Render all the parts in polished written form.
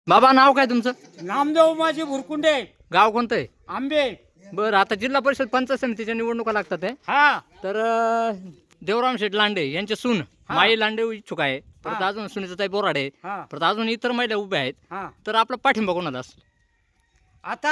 बाबा नाव काय तुमचं? नामदेव माझे भुरकुंडे, गाव कोणतं आहे? आंबे. बरं, आता जिल्हा परिषद पंचायत समितीच्या निवडणुका लागतात आहे. हा तर देवराम शेठ लांडे यांचे सून माई लांडे इच्छुक आहे. परत हा. अजून सुनीताताई बोराडे, हा परत अजून इतर महिला उभ्या आहेत. हा तर आपला पाठिंबा कोणाला असेल? आता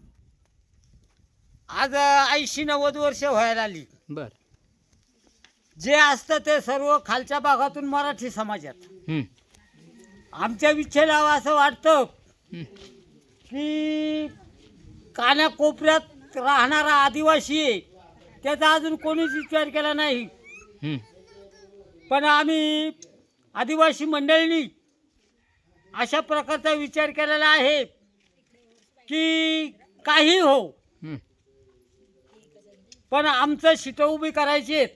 आज 80-90 वर्ष व्हायला आली. बरं. जे असतं ते सर्व खालच्या भागातून मराठी समाजात हं, आमच्या विच्छेला असं वाटतं हं, की कानाकोपऱ्यात राहणारा आदिवासी आहे त्याचा अजून कोणीच विचार केला नाही. हं. पण आम्ही आदिवासी मंडळींनी अशा प्रकारचा विचार केलेला आहे की काही हो, हं. पण आमचं शिटं उभी करायची आहेत.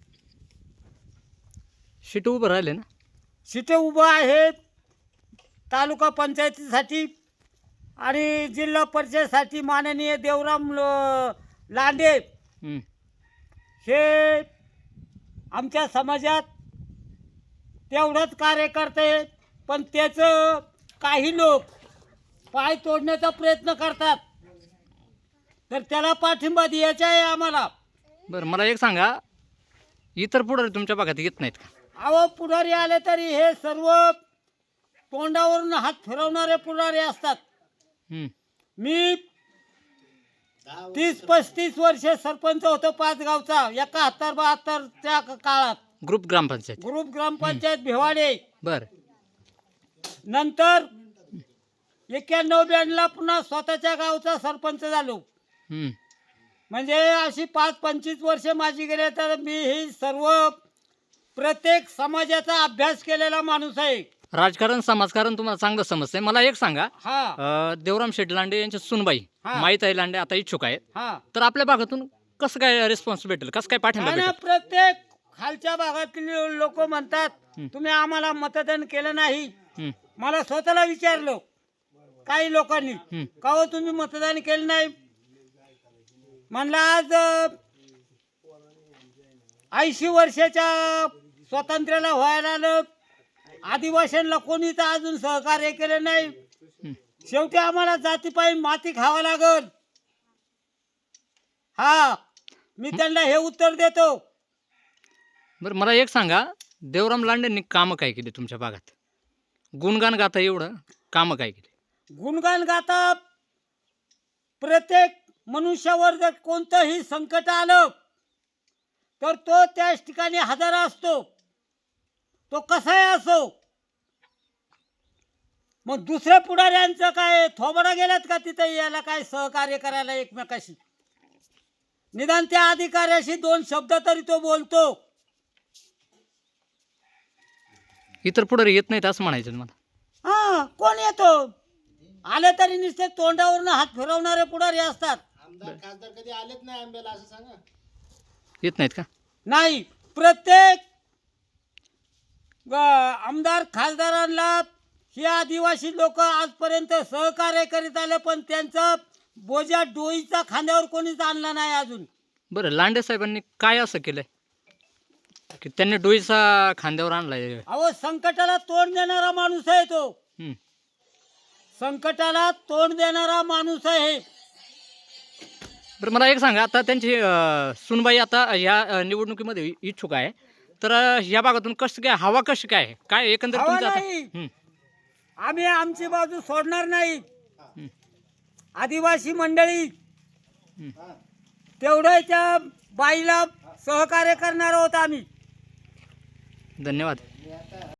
शिट उभं राहिले ना? शिटं उभं आहेत तालुका पंचायतीसाठी आणि जिल्हा परिषदेसाठी माननीय देवराम लांडे हं. हे आमच्या समाजात तेवढंच कार्य करते. पण त्याचं काही लोक पाय तोडण्याचा प्रयत्न करतात, तर त्याला पाठिंबा द्यायचा आहे आम्हाला. बरं, मला एक सांगा, इतर पुढारी तुमच्या भागात येत नाहीत का? अहो, पुढारी आले तरी हे सर्व तोंडावरून हात फिरवणारे पुढारी असतात. हं. मी 30-35 वर्षे सरपंच होतो पाचगावचा 71-72च्या काळात. ग्रुप ग्रामपंचायत. ग्रुप ग्रामपंचायत भिवाडे. बरं. नंतर 91-92ला पुन्हा स्वतःच्या गावचा सरपंच झालो. हं. म्हणजे अशी 5-25 वर्षे माझी गेले. तर मी ही सर्व प्रत्येक समाजाचा अभ्यास केलेला माणूस आहे. राजकारण समाजकारण तुम्हाला चांगलं समजतंय. मला एक सांगा, हा देवराम शेठ लांडे यांच्या सुनबाई हा. माईताई लांडे आता इच्छुक आहेत. हा तर आपल्या भागातून कसं काय रिस्पॉन्स भेटेल, कसं काय पाठिंबा आणि भेटेल? प्रत्येक खालच्या भागातील लोक म्हणतात हं. तुम्ही आम्हाला मतदान केलं नाही. हं, मला स्वतःला विचारलं काही लोकांनी, हं. का हो तुम्ही मतदान केलं नाही? म्हणलं आज 80 वर्षाच्या स्वातंत्र्याला व्हायला आलं, आदिवासींना कोणीच अजून सहकार्य केलं नाही. हं. शेवटी आम्हाला जातीपायी माती खावा लागल. हा, मी त्यांना हे उत्तर देतो. बरं, मला एक सांगा, देवराम लांडेंनी कामं काय केली तुमच्या भागात? गुणगान गाता एवढं, कामं काय केली? गुणगान गाता प्रत्येक मनुष्यावर जर कोणतंही संकट आलं तर तो त्याच ठिकाणी हजर असतो, तो कसाही असो. मग दुसऱ्या पुढाऱ्यांचं काय थोबडा गेलात का तिथे याला काय सहकार्य करायला एकमेकाशी? निदान त्या अधिकाऱ्याशी 2 शब्द तरी तो बोलतो. इतर पुढारी येत नाहीत असं म्हणायचं मला. हा, कोण येतो? आले तरी नुसते तोंडावरून हात फिरवणारे पुढारी असतात. खासदार कधी आलेच नाही आंब्याला असं सांगा. येत नाहीत का? नाही, प्रत्येक आमदार खासदारांना हे आदिवासी लोक आजपर्यंत सहकार्य करीत आले, पण त्यांचा बोजा डोईचा खांद्यावर कोणीच आणला नाही अजून. बरं, लांडे साहेबांनी काय असं केलंय की त्यांनी डोईचा खांद्यावर आणलाय? अहो, संकटाला तोंड देणारा माणूस आहे तो. हं. संकटाला तोंड देणारा माणूस आहे. बरं, मला एक सांगा, आता त्यांची सुनबाई आता ह्या निवडणुकीमध्ये इच्छुक आहे. तर ह्या भागातून कसं काय, हवा कशी काय आहे? काय एकंदरीत हवा तुमचं आता? नाही. हं, आम्ही आमची बाजू सोडणार नाही. हं, आदिवासी मंडळी हं. तेवढं त्या बाईला सहकार्य करणार आहोत आम्ही. धन्यवाद.